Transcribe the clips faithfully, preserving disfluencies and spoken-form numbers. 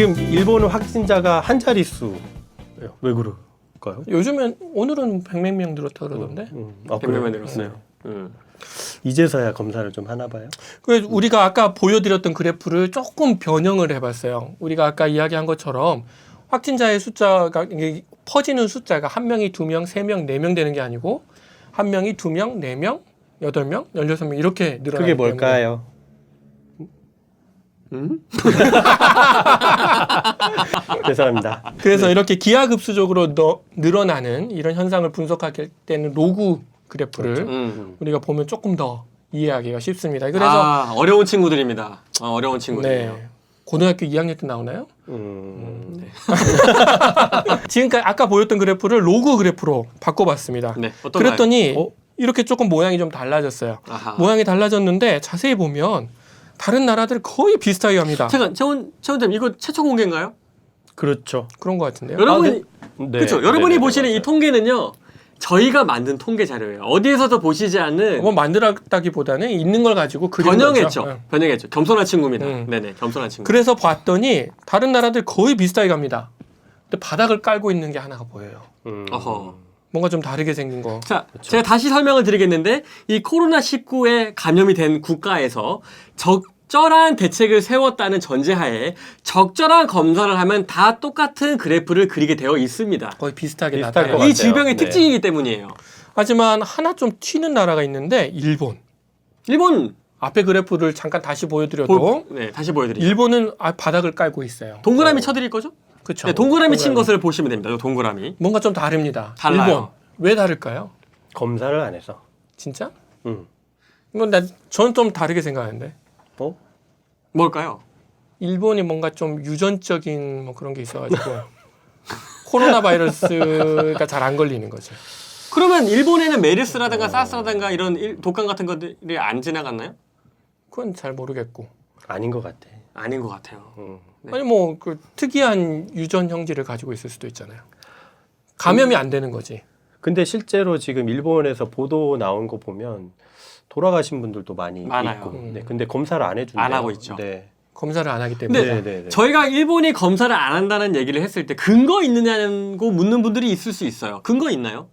지금 일본은 확진자가 한 자릿수. 왜 그럴까요? 요즘엔 오늘은 백몇 명 늘었다 그러던데. 음, 음. 아, 백몇 명 그래요? 늘었어요. 네. 음. 이제서야 검사를 좀 하나 봐요. 그 우리가 아까 보여드렸던 그래프를 조금 변형을 해봤어요. 우리가 아까 이야기한 것처럼 확진자의 숫자가 이게 퍼지는 숫자가 한 명이 두 명, 세 명, 네 명 되는 게 아니고 한 명이 두 명, 네 명, 여덟 명, 열여섯 명 이렇게 늘어나기 그게 뭘까요? 음? 죄송합니다. 그래서 네. 이렇게 기하급수적으로 너, 늘어나는 이런 현상을 분석할 때는 로그 그래프를 그렇죠. 음. 우리가 보면 조금 더 이해하기가 쉽습니다. 그래서 아, 어려운 친구들입니다. 어, 어려운 친구들이에요. 네, 고등학교 이 학년 때 나오나요? 음. 네. 지금까지 아까 보였던 그래프를 로그 그래프로 바꿔봤습니다. 네. 어떤가요? 그랬더니 어? 이렇게 조금 모양이 좀 달라졌어요. 아하. 모양이 달라졌는데 자세히 보면 다른 나라들 거의 비슷하게 합니다. 잠깐, 최원 최원님 이거 최초 공개인가요? 그렇죠. 그런 것 같은데요. 여러분이 네. 그렇죠. 네, 여러분이 네, 네, 보시는 맞아요. 이 통계는요. 저희가 만든 통계 자료예요. 어디에서도 보시지 않는 뭐 만들었다기보다는 있는 걸 가지고 그린 변형했죠. 거죠. 네. 변형했죠. 겸손한 친구입니다. 음. 네네, 겸손한 친구. 그래서 봤더니 다른 나라들 거의 비슷하게 갑니다. 근데 바닥을 깔고 있는 게 하나가 보여요. 음. 어허. 뭔가 좀 다르게 생긴 거. 자, 제가 다시 설명을 드리겠는데 이 코로나 십구에 감염이 된 국가에서 적절한 대책을 세웠다는 전제하에 적절한 검사를 하면 다 똑같은 그래프를 그리게 되어 있습니다. 거의 비슷하게 비슷할 나타나요. 것 같아요. 이 질병의 네. 특징이기 때문이에요. 하지만 하나 좀 튀는 나라가 있는데 일본. 일본 앞에 그래프를 잠깐 다시 보여드려도 보, 네, 다시 보여드리죠. 일본은 아, 바닥을 깔고 있어요. 동그라미 어. 쳐드릴 거죠? 그렇죠. 네, 동그라미 친 것을 보시면 됩니다. 이 동그라미. 뭔가 좀 다릅니다. 달라요. 일본 왜 다를까요? 검사를 안 해서. 진짜? 음. 뭐, 나, 저는 좀 다르게 생각하는데. 어? 뭘까요? 일본이 뭔가 좀 유전적인 뭐 그런 게 있어가지고 코로나 바이러스가 잘 안 걸리는 거죠. 그러면 일본에는 메르스라든가 사스라든가 이런 일- 독감 같은 것들이 안 지나갔나요? 그건 잘 모르겠고. 아닌 것 같아. 아닌 것 같아요. 음. 네. 아니 뭐 그 특이한 유전 형질을 가지고 있을 수도 있잖아요. 감염이 안 되는 거지. 근데 실제로 지금 일본에서 보도 나온 거 보면 돌아가신 분들도 많이 많아요. 있고. 음. 네, 근데 검사를 안 해준대요. 안 하고 있죠. 네. 검사를 안 하기 때문에. 근데 네, 네, 네. 저희가 일본이 검사를 안 한다는 얘기를 했을 때 근거 있느냐고 묻는 분들이 있을 수 있어요. 근거 있나요?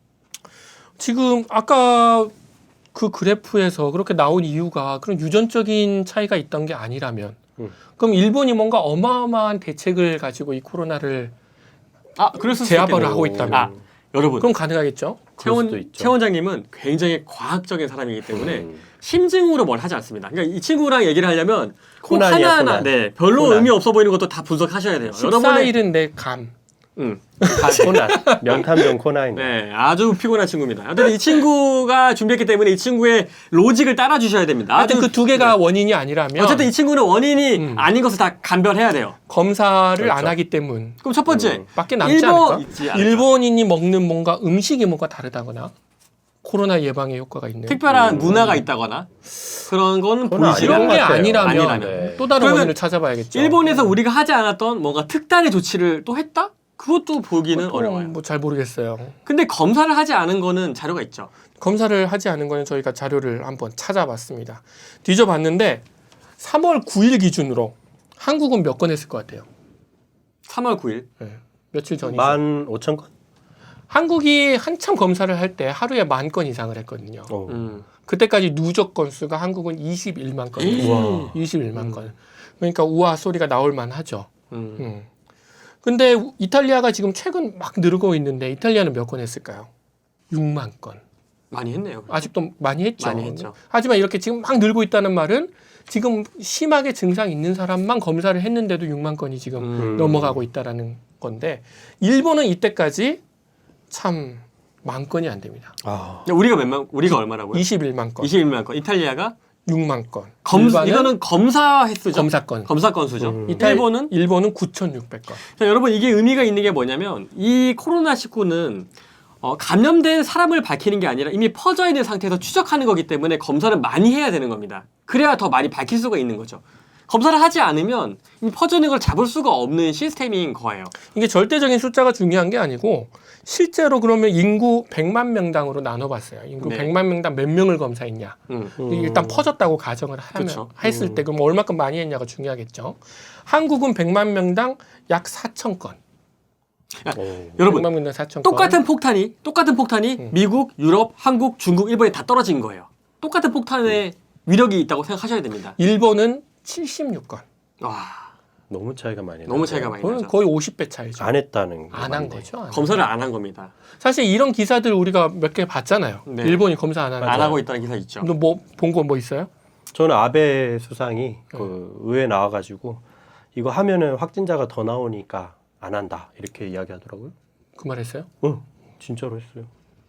지금 아까 그 그래프에서 그렇게 나온 이유가 그런 유전적인 차이가 있던 게 아니라면 음. 그럼 일본이 뭔가 어마어마한 대책을 가지고 이 코로나를 아, 그랬을 수 제압을 있겠네요. 하고 있다면 아, 여러분. 그럼 가능하겠죠? 그럴 수도 최원, 있죠. 최 원장님은 굉장히 과학적인 사람이기 때문에 음. 심증으로 뭘 하지 않습니다. 그러니까 이 친구랑 얘기를 하려면 꼭 코난이야, 하나하나 코난. 네, 별로 코난. 의미 없어 보이는 것도 다 분석하셔야 돼요. 십사일은 내 감. 음. 코난. 명탐정 코난이. 네, 아주 피곤한 친구입니다. 어쨌든 이 친구가 준비했기 때문에 이 친구의 로직을 따라주셔야 됩니다. 하여튼 아주 그 두 개가 네. 원인이 아니라면 어쨌든 이 친구는 원인이 음. 아닌 것을 다 감별해야 돼요. 검사를 그렇죠. 안 하기 때문 그럼 첫 번째, 음. 밖에 남지 일본- 않을까? 있지 않을까? 일본인이 먹는 뭔가 음식이 뭔가 다르다거나 코로나 예방에 효과가 있는 특별한 음. 문화가 있다거나 그런 거는 그건 보이지 이런 아닌 게 것 같아요. 아니라면, 아니라면. 네. 또 다른 그러면 원인을 찾아봐야겠죠. 일본에서 우리가 하지 않았던 뭔가 특단의 조치를 또 했다? 그것도 보기는 어려워요. 뭐잘 모르겠어요. 근데 검사를 하지 않은 거는 자료가 있죠. 검사를 하지 않은 거는 저희가 자료를 한번 찾아봤습니다. 뒤져봤는데 삼월 구일 기준으로 한국은 몇 건 했을 것 같아요? 삼월 구일. 네, 며칠 전이죠. 만 오천 건? 한국이 한참 검사를 할 때 하루에 만 건 이상을 했거든요. 어. 음. 그때까지 누적 건수가 한국은 이십일만 건. 우와. 이십일만 건. 그러니까 우와 소리가 나올 만하죠. 음. 음. 근데 이탈리아가 지금 최근 막 늘고 있는데 이탈리아는 몇 건 했을까요? 육만 건. 많이 했네요. 아직도 많이 했죠. 많이 했죠. 하지만 이렇게 지금 막 늘고 있다는 말은 지금 심하게 증상 있는 사람만 검사를 했는데도 육만 건이 지금 음. 넘어가고 있다라는 건데 일본은 이때까지 참 만 건이 안 됩니다. 아. 우리가 몇만 우리가 얼마라고요? 이십일만 건, 이십일만 건. 이탈리아가 육만 건. 검 일반은 이거는 검사 횟수죠. 검사 건. 검사 건수죠. 음. 이탈- 일본은 일본은 구천육백 건. 자, 여러분 이게 의미가 있는 게 뭐냐면 이 코로나 십구는 어, 감염된 사람을 밝히는 게 아니라 이미 퍼져 있는 상태에서 추적하는 거기 때문에 검사를 많이 해야 되는 겁니다. 그래야 더 많이 밝힐 수가 있는 거죠. 검사를 하지 않으면 이 퍼지는 걸 잡을 수가 없는 시스템인 거예요. 이게 절대적인 숫자가 중요한 게 아니고 실제로 그러면 인구 백만 명당으로 나눠봤어요. 인구 네. 백만 명당 몇 명을 검사했냐. 음. 음. 일단 퍼졌다고 가정을 하면 그쵸. 했을 때 그럼 얼마큼 많이 했냐가 중요하겠죠. 한국은 백만 명당 약 사천 건. 오. 여러분 백만 명당 사천 건. 똑같은 폭탄이 똑같은 폭탄이 음. 미국, 유럽, 한국, 중국, 일본에 다 떨어진 거예요. 똑같은 폭탄의 위력이 있다고 생각하셔야 됩니다. 일본은 칠십육 건. 와, 너무 차이가 많이 나요. 너무 차이가 많이 거의, 나죠. 거의 오십 배 차이죠. 안 했다는 게 안 한 맞네. 거죠. 안 한 검사를 안 한 겁니다. 사실 이런 기사들 우리가 몇 개 봤잖아요. 네. 일본이 검사 안 하는 안 거. 하고 있다는 기사 있죠. 뭐본 거 뭐 있어요? 저는 아베 수상이 그 의회 나와가지고 이거 하면은 확진자가 더 나오니까 안 한다 이렇게 이야기하더라고요. 그 말 했어요? 응, 진짜로 했어요.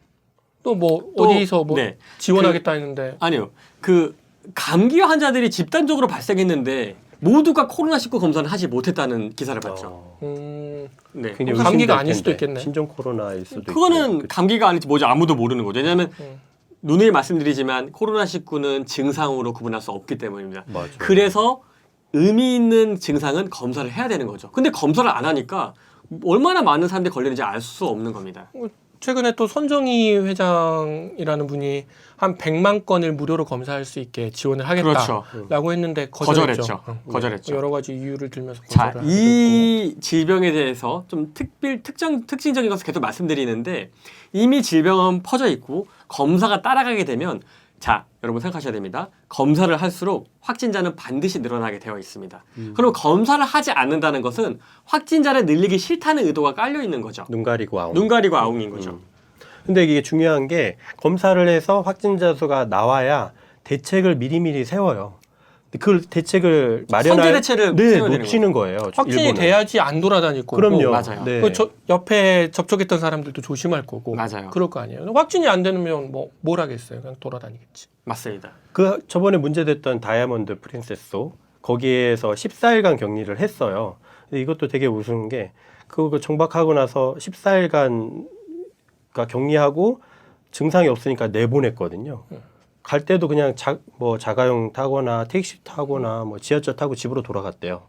또 뭐 또, 어디서 뭐 네. 지원하겠다 했는데 아니요. 그 감기 환자들이 집단적으로 발생했는데 모두가 코로나 십구 검사를 하지 못했다는 기사를 봤죠. 어, 음, 네. 굉장히 감기가 의심될 아닐 수도 텐데. 있겠네. 신종 코로나일 수도 있고. 그거는 감기가 아닐지 뭐지 아무도 모르는 거죠. 왜냐하면 음. 누누이 말씀드리지만 코로나 십구는 증상으로 구분할 수 없기 때문입니다. 맞아요. 그래서 의미 있는 증상은 검사를 해야 되는 거죠. 근데 검사를 안 하니까 얼마나 많은 사람들이 걸리는지 알 수 없는 겁니다. 최근에 또 손정희 회장이라는 분이 한 백만 건을 무료로 검사할 수 있게 지원을 하겠다라고 그렇죠. 했는데 거절했죠. 거절했죠. 응. 거절했죠. 여러 가지 이유를 들면서 자, 거절을 하고 이 질병에 대해서 좀 특별 특정 특징적인 것을 계속 말씀드리는데 이미 질병은 퍼져 있고 검사가 따라가게 되면 자, 여러분 생각하셔야 됩니다. 검사를 할수록 확진자는 반드시 늘어나게 되어 있습니다. 음. 그럼 검사를 하지 않는다는 것은 확진자를 늘리기 싫다는 의도가 깔려 있는 거죠. 눈 가리고 아웅. 눈 가리고 아웅인 거죠. 음. 근데 이게 중요한 게 검사를 해서 확진자 수가 나와야 대책을 미리미리 세워요. 근데 그 대책을 마련할 선제 대책을 네, 세워야 되는 놓치는 거예요. 확진이 일본은. 돼야지 안 돌아다니고 그럼요. 맞아요. 네. 그 저, 옆에 접촉했던 사람들도 조심할 거고 맞아요. 그럴 거 아니에요. 확진이 안 되면 뭐 뭘 하겠어요. 그냥 돌아다니겠지. 맞습니다. 그 저번에 문제됐던 다이아몬드 프린세스 거기에서 십사 일간 격리를 했어요. 근데 이것도 되게 우스운 게 그거 정박하고 나서 십사 일간 격리하고 증상이 없으니까 내보냈거든요. 갈 때도 그냥 자, 뭐 자가용 타거나 택시 타거나 뭐 지하철 타고 집으로 돌아갔대요.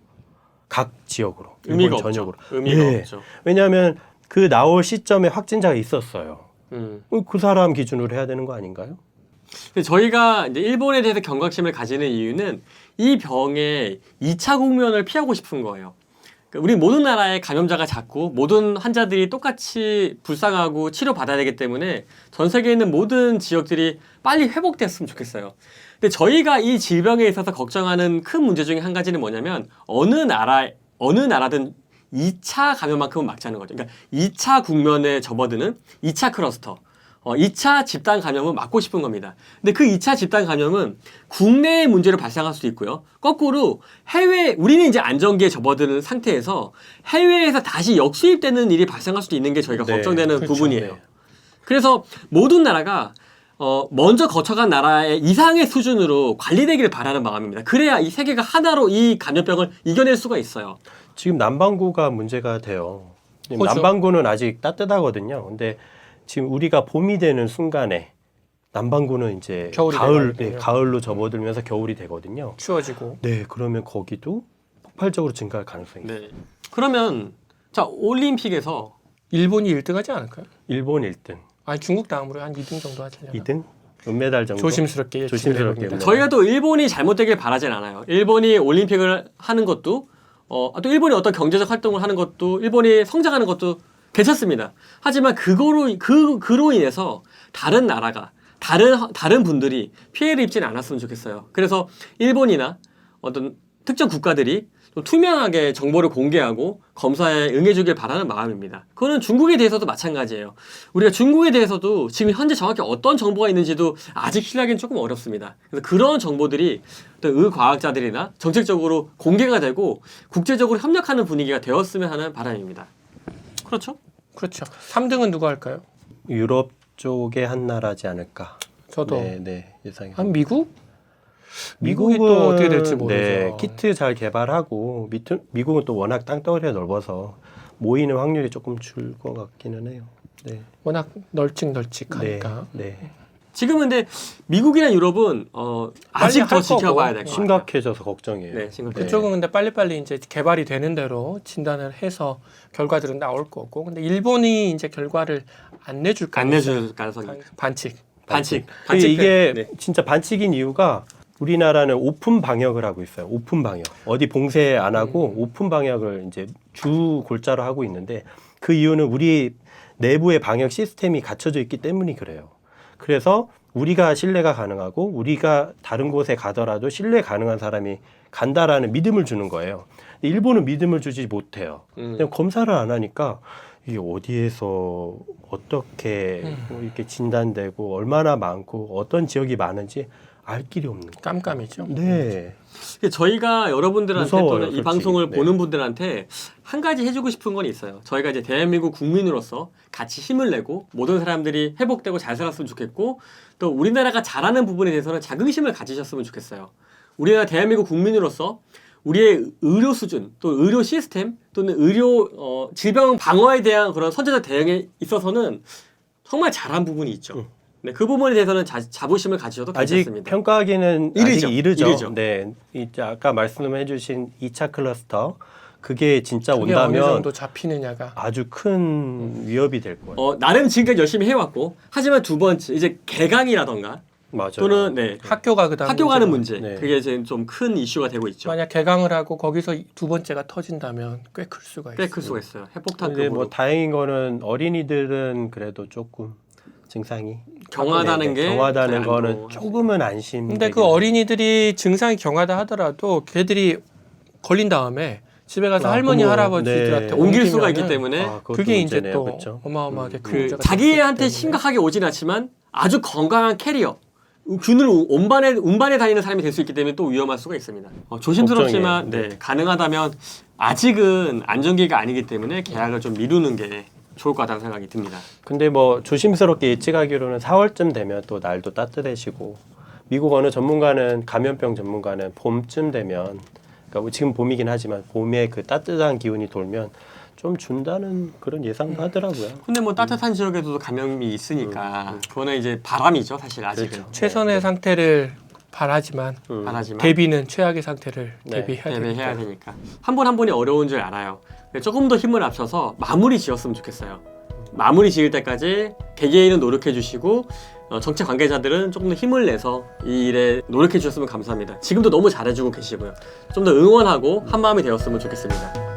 각 지역으로. 의미가 일본 없죠. 전역으로. 의미가 네. 없죠. 왜냐하면 그 나올 시점에 확진자가 있었어요. 음. 그 사람 기준으로 해야 되는 거 아닌가요? 근데 저희가 이제 일본에 대해서 경각심을 가지는 이유는 이 병의 이 차 국면을 피하고 싶은 거예요. 그러니까 우리 모든 나라의 감염자가 작고 모든 환자들이 똑같이 불쌍하고 치료받아야 되기 때문에 전 세계에 있는 모든 지역들이 빨리 회복됐으면 좋겠어요. 근데 저희가 이 질병에 있어서 걱정하는 큰 문제 중에 한 가지는 뭐냐면 어느 나라, 어느 나라든 이 차 감염만큼은 막자는 거죠. 그러니까 이 차 국면에 접어드는 이 차 클러스터. 어, 이 차 집단 감염은 막고 싶은 겁니다. 근데 그 이 차 집단 감염은 국내의 문제로 발생할 수도 있고요. 거꾸로 해외, 우리는 이제 안정기에 접어드는 상태에서 해외에서 다시 역수입되는 일이 발생할 수도 있는 게 저희가 네, 걱정되는 그렇죠. 부분이에요. 네. 그래서 모든 나라가 어, 먼저 거쳐간 나라의 이상의 수준으로 관리되기를 바라는 마음입니다. 그래야 이 세계가 하나로 이 감염병을 이겨낼 수가 있어요. 지금 남반구가 문제가 돼요. 지금 그렇죠. 남반구는 아직 따뜻하거든요. 근데 지금 우리가 봄이 되는 순간에 남반구는 이제 겨울이 가을, 되거든요. 네, 가을로 접어들면서 겨울이 되거든요. 추워지고. 네, 그러면 거기도 폭발적으로 증가할 가능성이 있어요. 네. 그러면 자 올림픽에서 일본이 일 등 하지 않을까요? 일본 일 등, 아니 중국 다음으로 한 이 등 정도 하지 않나? 이 등, 은메달 정도. 조심스럽게 조심스럽게 예측을 해봅니다. 네. 저희가 또 일본이 잘못되길 바라진 않아요. 일본이 올림픽을 하는 것도 어, 또 일본이 어떤 경제적 활동을 하는 것도 일본이 성장하는 것도 괜찮습니다. 하지만 그거로 그 그로 인해서 다른 나라가 다른 다른 분들이 피해를 입지는 않았으면 좋겠어요. 그래서 일본이나 어떤 특정 국가들이 좀 투명하게 정보를 공개하고 검사에 응해주길 바라는 마음입니다. 그거는 중국에 대해서도 마찬가지예요. 우리가 중국에 대해서도 지금 현재 정확히 어떤 정보가 있는지도 아직 신뢰하기는 조금 어렵습니다. 그래서 그런 정보들이 어떤 의과학자들이나 정책적으로 공개가 되고 국제적으로 협력하는 분위기가 되었으면 하는 바람입니다. 그렇죠? 그렇죠. 삼 등은 누가 할까요? 유럽 쪽의 한 나라지 않을까. 저도 네, 네, 예상이. 한 미국? 미국이 또 어떻게 될지 모르죠. 네, 키트 잘 개발하고 미트, 미국은 또 워낙 땅덩어리가 넓어서 모이는 확률이 조금 줄 것 같기는 해요. 네, 워낙 널찍널찍하니까. 네, 네. 지금은 근데 미국이나 유럽은 어, 아직 빨리 더 할 지켜봐야 거고. 될 것 같아요. 심각해져서 걱정이에요. 네, 심각해요. 그쪽은 근데 빨리빨리 이제 개발이 되는 대로 진단을 해서 결과들은 나올 거고. 근데 일본이 이제 결과를 안 내줄 안 가능성이 내줄 가능성이 반칙. 반칙. 그게 반칙 이게 네. 진짜 반칙인 이유가 우리나라는 오픈 방역을 하고 있어요. 오픈 방역. 어디 봉쇄 안 하고 음. 오픈 방역을 이제 주 골자로 하고 있는데 그 이유는 우리 내부의 방역 시스템이 갖춰져 있기 때문이 그래요. 그래서 우리가 신뢰가 가능하고 우리가 다른 곳에 가더라도 신뢰 가능한 사람이 간다라는 믿음을 주는 거예요. 근데 일본은 믿음을 주지 못해요. 음. 그냥 검사를 안 하니까 이게 어디에서 어떻게 음. 뭐 이렇게 진단되고 얼마나 많고 어떤 지역이 많은지 알 길이 없는 거예요. 깜깜이죠. 네. 저희가 여러분들한테 무서워요, 또는 이 솔직히. 방송을 네. 보는 분들한테 한 가지 해주고 싶은 건 있어요. 저희가 이제 대한민국 국민으로서 같이 힘을 내고 모든 사람들이 회복되고 잘 살았으면 좋겠고 또 우리나라가 잘하는 부분에 대해서는 자긍심을 가지셨으면 좋겠어요. 우리나라 대한민국 국민으로서 우리의 의료 수준 또 의료 시스템 또는 의료 어, 질병 방어에 대한 그런 선제적 대응에 있어서는 정말 잘한 부분이 있죠. 음. 네, 그 부분에 대해서는 자, 자부심을 가지셔도 아직 괜찮습니다. 평가하기는 이르죠. 아직 이르죠. 이르죠. 네. 이제 아까 말씀해주신 이 차 클러스터 그게 진짜 그게 어느 온다면 정도 잡히느냐가. 아주 큰 위협이 될 거예요. 어, 나름 지금까지 열심히 해왔고 하지만 두 번째 이제 개강이라던가 맞아요. 또는 네, 학교가 그다음 학교 가는 문제가. 문제 네. 그게 지금 좀 큰 이슈가 되고 있죠. 만약 개강을 하고 거기서 두 번째가 터진다면 꽤 클 수가 있어요. 꽤 클 수가 있어요. 근데 핵폭탄급으로 뭐 다행인 거는 어린이들은 그래도 조금 증상이 경하다는 네, 게 경하다는 안 거는 좋아. 조금은 안심. 근데 그 어린이들이 증상이 경하다 하더라도 걔들이 걸린 다음에 집에 가서 아, 할머니 부모, 할아버지들한테 네. 옮길 수가 옮기면은 있기 때문에 아, 그것도 그게 이제 문제네요. 또 그렇죠? 어마어마하게 큰 그 문제가 자기한테 될 수 있기 때문에. 심각하게 오진 않지만 아주 건강한 캐리어 균을 운반해 운반해 다니는 사람이 될 수 있기 때문에 또 위험할 수가 있습니다. 어, 조심스럽지만 걱정이에요. 네, 가능하다면 아직은 안정기가 아니기 때문에 계약을 좀 미루는 게 좋을 것 같다는 생각이 듭니다. 근데 뭐 조심스럽게 예측하기로는 사월쯤 되면 또 날도 따뜻해지고 미국 어느 전문가는 감염병 전문가는 봄쯤 되면 그러니까 뭐 지금 봄이긴 하지만 봄에 그 따뜻한 기운이 돌면 좀 준다는 그런 예상도 하더라고요. 근데 뭐 따뜻한 지역에도 감염이 있으니까 그거는 이제 바람이죠 사실 아직은. 그렇죠. 최선의 상태를 바라지만 음. 바라지만 대비는 최악의 상태를 네, 대비해야 대비해야 되니까. 되니까 한 분 한 분이 어려운 줄 알아요. 조금 더 힘을 합쳐서 마무리 지었으면 좋겠어요. 마무리 지을 때까지 개개인은 노력해 주시고 어, 정책 관계자들은 조금 더 힘을 내서 이 일에 노력해 주셨으면 감사합니다. 지금도 너무 잘해주고 계시고요. 좀 더 응원하고 한 마음이 되었으면 좋겠습니다.